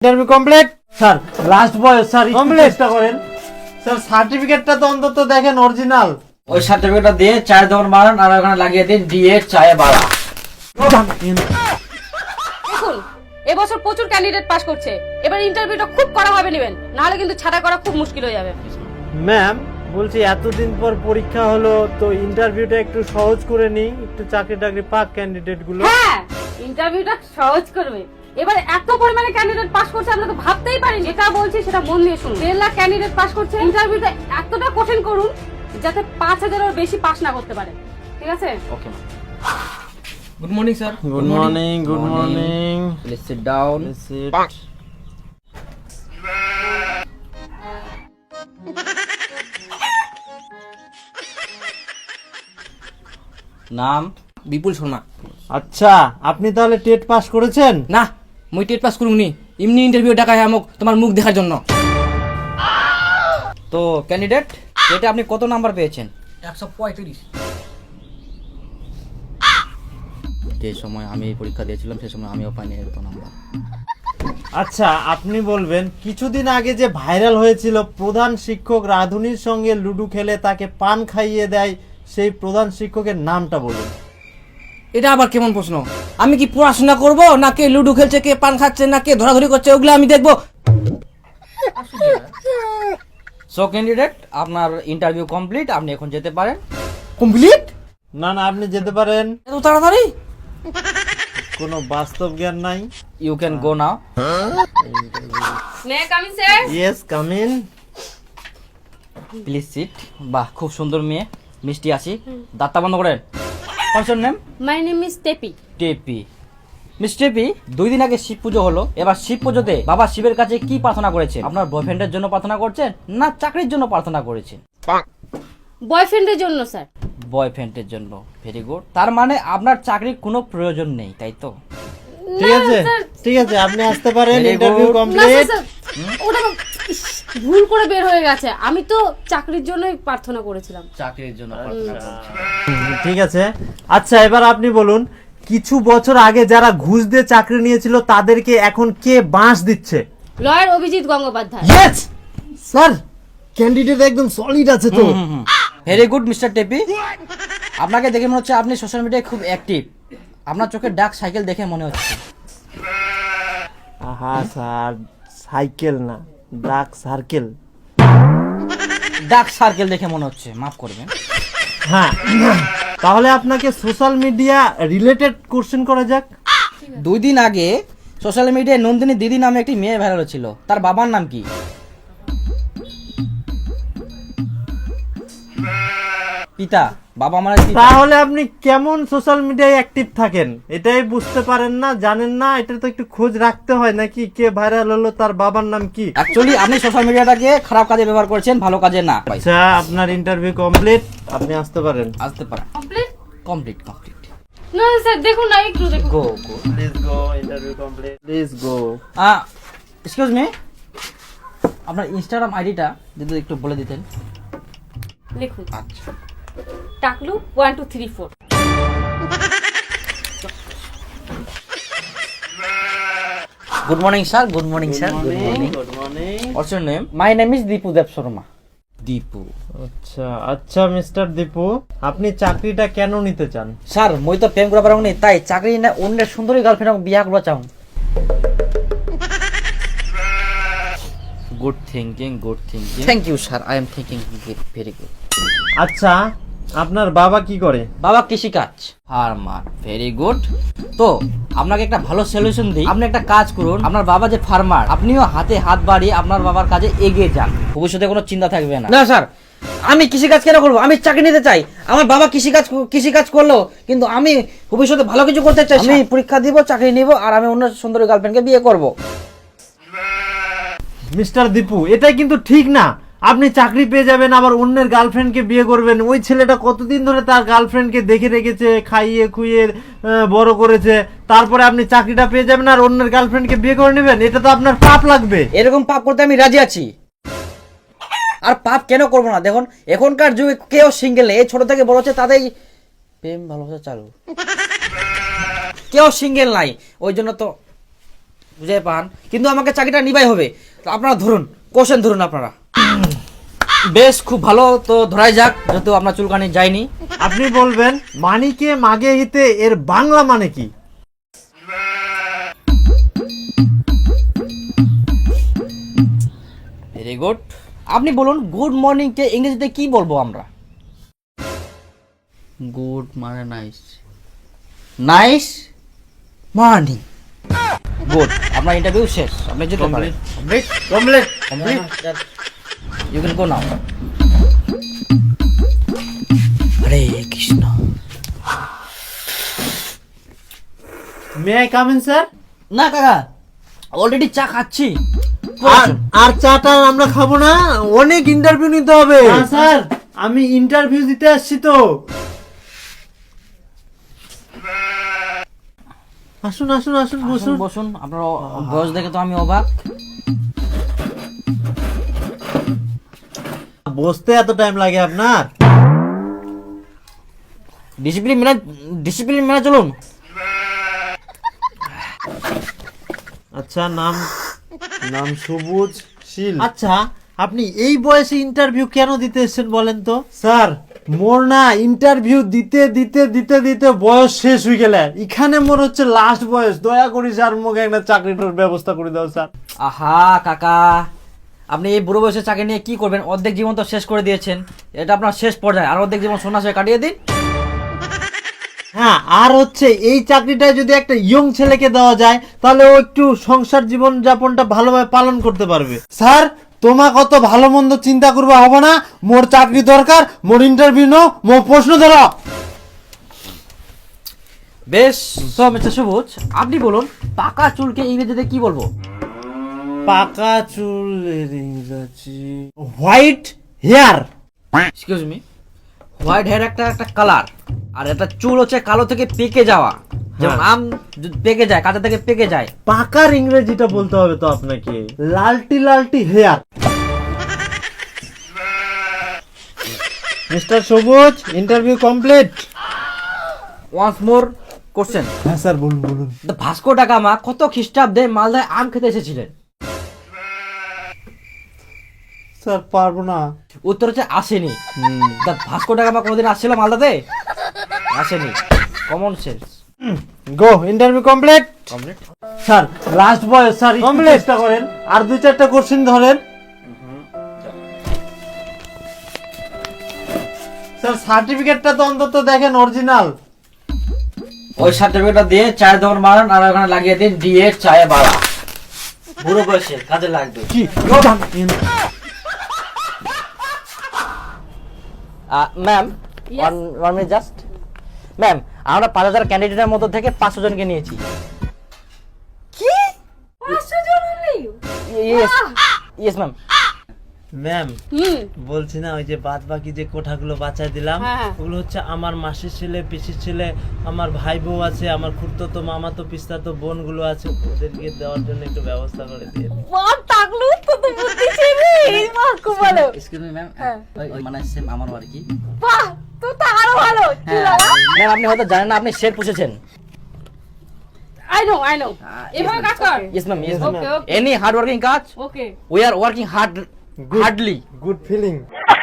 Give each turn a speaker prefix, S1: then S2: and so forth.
S1: Interview complete.
S2: Sir last বয়স sir
S1: Complete.
S2: চেষ্টা করেন।
S1: স্যার সার্টিফিকেটটা তো অন্তত দেখেন অরিজিনাল।
S3: ওই সার্টিফিকেটটা দিয়ে চায়ের দোকান বানান আর ওখানে লাগিয়ে দিন দিয়ে চায়ে বাড়া।
S4: দেখুন এবছর প্রচুর ক্যান্ডিডেট পাস করছে, এবার ইন্টারভিউটা খুব কড়া ভাবে নেবেন, নাহলে কিন্তু ছাড়া করা খুব মুশকিল হয়ে যাবে।
S1: ম্যাম বলছি এতদিন পর পরীক্ষা হলো তো ইন্টারভিউটা একটু সহজ করে নিই, একটু চাকরি টাকরি পাক ক্যান্ডিডেট গুলো।
S4: হ্যাঁ ইন্টারভিউটা সহজ করবে। এবার এত পরিমাণে ক্যান্ডিডেট পাস করছে আমরা তো ভাবতেই পারিনি। যেটা বলছি সেটা মন দিয়ে শুনুন। 1.5 লাখ ক্যান্ডিডেট পাস করছে, ইন্টারভিউটা এতটা কঠিন করুন যাতে 5,000-এর বেশি পাস না করতে পারে। ঠিক আছে?
S3: Okay ma'am. Good morning sir.
S1: Good morning, good morning.
S3: Please sit down. নাম বিপুল শর্মা।
S1: আচ্ছা আপনি তাহলে টেট পাস করেছেন?
S3: না মুই টেট পাস করুনি, এমনি ইন্টারভিউ ডাকায় আমক তোমার মুখ দেখার জন্য। তো ক্যান্ডিডেট এটা আপনি কত নাম্বার পেয়েছেন? 135। যে সময় আমি এই পরীক্ষা দিয়েছিলাম সে সময় আমিও পাইনি এত নাম্বার।
S1: আচ্ছা আপনি বলবেন কিছুদিন আগে যে ভাইরাল হয়েছিল প্রধান শিক্ষক রাধুনির সঙ্গে লুডো খেলে তাকে পান খাইয়ে দেয়, সেই প্রধান শিক্ষকের নামটা বলুন।
S3: এটা আবার কেমন প্রশ্ন? আমি কি পড়াশোনা করব না কে লুডো খেলছে, কে পান খাচ্ছে, না কে ধরাধরি করছে, ওগুলো আমি দেখবো? সো ক্যান্ডিডেট আপনার ইন্টারভিউ কমপ্লিট, আপনি এখন যেতে পারেন। কমপ্লিট?
S1: না না আপনি যেতে পারেন,
S3: এত তাড়াতাড়ি?
S1: কোনো বাস্তব জ্ঞান নাই।
S3: You can go now.
S4: May come in sir?
S1: Yes come in.
S3: Please sit. বাহ খুব সুন্দর মেয়ে, মিষ্টি আছি। দাঁতটা বন্ধ করেন। Function name?
S4: My name is Tepi.
S3: Tepi. Miss Tepi, 2 দিন আগে শিব পুজো হলো। এবার শিব পুজোতে বাবা শিবের কাছে কি প্রার্থনা করেছেন? আপনার বয়ফ্রেন্ডের জন্য প্রার্থনা করছেন না চাকরির জন্য প্রার্থনা করেছেন?
S4: বয়ফ্রেন্ডের জন্য স্যার।
S3: বয়ফ্রেন্ডের জন্য। Very good. তার মানে আপনার চাকরির কোনো প্রয়োজন নেই, তাই তো?
S1: ঠিক আছে ঠিক আছে আপনি আসতে পারেন,
S3: Very
S1: ইন্টারভিউ
S3: good.
S4: না
S1: কমপ্লিট।
S4: স্যার, ওটা ইস, ভুল করে বের হয়ে গেছে। আমি তো চাকরির জন্যই প্রার্থনা করেছিলাম।
S3: চাকরির জন্য প্রার্থনা করছেন।
S1: ঠিক আছে। আচ্ছা এবার আপনি বলুন কিছু বছর আগে যারা ঘুষ দিয়ে চাকরি নিয়েছিল তাদেরকে এখন কে বাঁশ দিচ্ছে?
S4: Lawyer Abhijit Gangopadhyay.
S1: Yes sir, candidate একদম সলিড আছে তো।
S3: Very good mister Tepi. আপনাকে দেখে মনে হচ্ছে আপনি সোশ্যাল মিডিয়ায় খুব অ্যাক্টিভ। আপনার চোখে ডাক সাইকেল দেখে মনে হচ্ছে।
S1: আহা স্যার, সাইকেল না ডাক সার্কেল।
S3: ডাক সার্কেল দেখে মনে হচ্ছে, মাফ করবেন।
S1: হ্যাঁ তাহলে আপনাকে সোশ্যাল মিডিয়া রিলেটেড কোশ্চেন করা যাক।
S3: 2 দিন আগে সোশ্যাল মিডিয়ায় নন্দিনী দিদি নামে একটি মেয়ে ভাইরাল ছিল, তার বাবার নাম কি? পিতা। বাবা মানে পিতা।
S1: তাহলে আপনি কেমন সোশ্যাল মিডিয়ায় অ্যাক্টিভ থাকেন এটাই বুঝতে পারেন না, জানেন না? এটা তো একটু খোঁজ রাখতে হয় নাকি, কে ভাইরাল হলো তার বাবার নাম কি?
S3: অ্যাকচুয়ালি আপনি সোশ্যাল মিডিয়াটাকে খারাপ কাজে ব্যবহার করছেন, ভালো কাজে না।
S1: আচ্ছা আপনার ইন্টারভিউ কমপ্লিট, আপনি আসতে পারেন।
S3: আসতে পারেন।
S4: কমপ্লিট?
S3: Complete complete.
S4: না স্যার দেখুন না, একটু দেখুন।
S3: Go go.
S1: Please go, interview complete, please go.
S3: Excuse me, আপনার ইনস্টাগ্রাম আইডিটা যদি একটু বলে দিতেন।
S4: লিখুন
S3: আচ্ছা।
S4: টাকলু 1 2 3 4।
S3: Good morning sir. Good morning sir. Good morning.
S1: Good morning.
S3: What's your name? My name is Dipu Deb Sharma. Dipu.
S1: আচ্ছা আচ্ছা মিস্টার দীপু, আপনি চাকরিটা কেন নিতে চান?
S3: স্যার মই তো প্রেম করা পারং নি, তাই চাকরি না অন্যের সুন্দরী গার্লফ্রেন্ড বিয়া করবা চাও। Good thinking, good thinking. Thank you sir, I am thinking very good.
S1: আচ্ছা আপনার বাবা কি করে?
S3: বাবা কৃষিকাজ, ফার্মার। Very good. তো আপনাকে একটা ভালো সলিউশন দিই, আপনি একটা কাজ করুন। আপনার বাবা যে ফার্মার, আপনিও হাতে হাত বাড়িয়ে আপনার বাবার কাজে এগিয়ে যান, ভবিষ্যতে কোনো চিন্তা থাকবে না। না স্যার, আমি কৃষিকাজ কেন করবো? আমি চাকরি নিতে চাই। আমার বাবা কৃষিকাজ করলো, কিন্তু আমি ভবিষ্যতে ভালো কিছু করতে চাই। আমি পরীক্ষা দিব, চাকরি নিব, আর আমি অন্য সুন্দরী গার্লফ্রেন্ডকে বিয়ে করব।
S1: মিস্টার দীপু এটাই কিন্তু ঠিক না। আপনি চাকরি পেয়ে যাবেন আবার অন্যের গার্লফ্রেন্ডকে বিয়ে করবেন। ওই ছেলেটা কতদিন ধরে তার গার্লফ্রেন্ডকে দেখে রেখেছে, খাইয়ে খুইয়ে বড় করেছে, তারপরে আপনি চাকরিটা পেয়ে যাবেন আর অন্যের গার্লফ্রেন্ডকে বিয়ে করে নেবেন? এটা তো আপনার পাপ লাগবে।
S3: এরকম পাপ করতে আমি রাজি আছি। আর পাপ কেন করবো না? দেখুন এখনকার যুগে কেউ সিঙ্গেল নেই, এই ছোট থেকে বড় হচ্ছে তাদের প্রেম ভালোবাসা চালু, কেউ সিঙ্গেল নাই। ওই জন্য তো বুঝে পান, কিন্তু আমাকে চাকরিটা নিবাই হবে। তো আপনারা ধরুন, কোশ্চেন ধরুন আপনারা। বেশ, খুব ভালো, তো ধরাই যাক, যেহেতু আপনার চুলকানি যায়নি।
S1: আপনি বলবেন মানিকে মাগে হিতে এর বাংলা মানে কি?
S3: Very good. আপনি বলুন গুড মর্নিং কে ইংরেজিতে কি বলবো আমরা? গুড মানে নাইস, নাইস মর্নিং। গুড, আপনার ইন্টারভিউ শেষ, আপনি যেতে পারেন।
S1: Complete.
S3: You can go now. Hare Krishna.
S1: May I come in sir?
S3: না কাকা, অলরেডি চা খাচ্ছি।
S1: আর চাটা আমরা খাবো না, অনেক ইন্টারভিউ নিতে হবে। স্যার আমি ইন্টারভিউ দিতে আসছি তো। আসুন আসুন আসুন,
S3: বসুন
S1: বসুন।
S3: বসুন, আপনার বয়স দেখে তো আমি অবাক।
S1: বসতে এত টাইম লাগে আপনার?
S3: ডিসিপ্লিন মেনে চলুন।
S1: আচ্ছা, নাম নাম সবুজ শীল। আচ্ছা, আপনি এই বয়সে ইন্টারভিউ কেন দিতে এসেছেন বলেন তো? স্যার মোর না ইন্টারভিউ দিতে দিতে দিতে দিতে বয়স শেষ হয়ে গেলে, এখানে মোর হচ্ছে লাস্ট বয়স। দয়া করি স্যার, মুখে একটা চাকরিটার ব্যবস্থা করে দাও স্যার।
S3: আহা কাকা, আপনি এই বুড়ো বয়সে চাকরি নিয়ে কি করবেন? অর্ধেক জীবন তো শেষ করে দিয়েছেন, এটা আপনার শেষ পর্যায়ে। আর অর্ধেক জীবন সন্ন্যাসে কাটিয়ে দিন।
S1: হ্যাঁ, আর হচ্ছে এই চাকরিটা যদি একটা ইয়ং ছেলেকে দেওয়া যায়, তাহলে ও একটু সংসার জীবন যাপনটা ভালোভাবে পালন করতে পারবে। স্যার তোমা কত ভালো মন্দ চিন্তা করবা হবে না, মোর চাকরি দরকার, মোর ইন্টারভিউ নো, মোর প্রশ্ন ধরো।
S3: বেশ, তো মিস্টার সবুজ, আপনি বলুন পাকা চুলকে ইংরেজিতে কি বলবো?
S1: পাকা চুলের ইংরেজি white hair.
S3: Excuse me, white hair একটা একটা কালার, আর এটা চুল হচ্ছে কালো থেকে পেকে যাওয়া। যেমন আম পেকে যায়, কাঁচা থেকে পেকে যায়।
S1: পাকার ইংরেজিটা বলতে হবে তো আপনাকে, লালটি লালটি hair. Mister Sabuj, interview complete.
S3: Once more question.
S1: হ্যাঁ স্যার, বলুন বলুন।
S3: ভাস্কো ডা গামা কত খ্রিস্টাব্দে মালদায় আম খেতে এসেছিলেন?
S1: স্যার পারবো না।
S3: উত্তর হচ্ছে আসেনি। ভাস্কো ডা গামা কোনোদিন আসছিল মালদাতে? আসেনি। Common sense.
S1: Go, interview complete.
S3: Complete.
S1: Sir last বয়স স্যার, কমপ্লিট চেষ্টা করেন, আর দুই চারটা কোশ্চেন ধরেন। স্যার সার্টিফিকেটটা তো অন্তত দেখেন অরিজিনাল।
S3: ওই সার্টিফিকেটটা দিয়ে চায়ের দোকান মারান, আর ওখানে লাগিয়ে দিন দিয়ে চায়ে বাড়া। বুড়ো বয়সে কাজে লাগবে।
S1: কি
S3: ma'am,
S4: Yes.
S3: One minute just. Ma'am, আমরা 5000 ক্যান্ডিডেটের মধ্যে থেকে 500 জনকে নিয়েছি।
S4: কি 500 জন হলি?
S3: Yes yes ma'am.
S2: ম্যাম
S4: হুম,
S2: বলছি না, ওই যে বাদ বাকি যে কোঠাগুলো বাঁচায় দিলাম,
S4: হ্যাঁ।
S2: ওগুলো হচ্ছে আমার মাসির ছেলে, পিসির ছেলে, আমার ভাই বউ আছে, আমার খুড়তো মামাতো পিস্তাতো বোনগুলো আছে, ওদেরকে দেওয়ার জন্য একটু ব্যবস্থা করে দিয়ে দিন।
S4: মা টাকলু তো তো বুদ্ধি ছিল এই মা খুব ভালো।
S3: এক্সকিউজ মি ম্যাম,
S4: হ্যাঁ।
S3: ওই মানে সেম আমারও আর কি।
S4: বাহ, তো তো আরো ভালো চুল লাগা।
S3: ম্যাম, আপনি হয়তো জানেন না, আপনি শের পুষেছেন।
S4: আই নো এভাবে কাজ কর।
S3: Yes ma'am, yes
S4: Okay,
S3: ma'am.
S4: okay.
S3: Any hard working কাজ,
S4: okay,
S3: we are working hardly.
S1: Good feeling.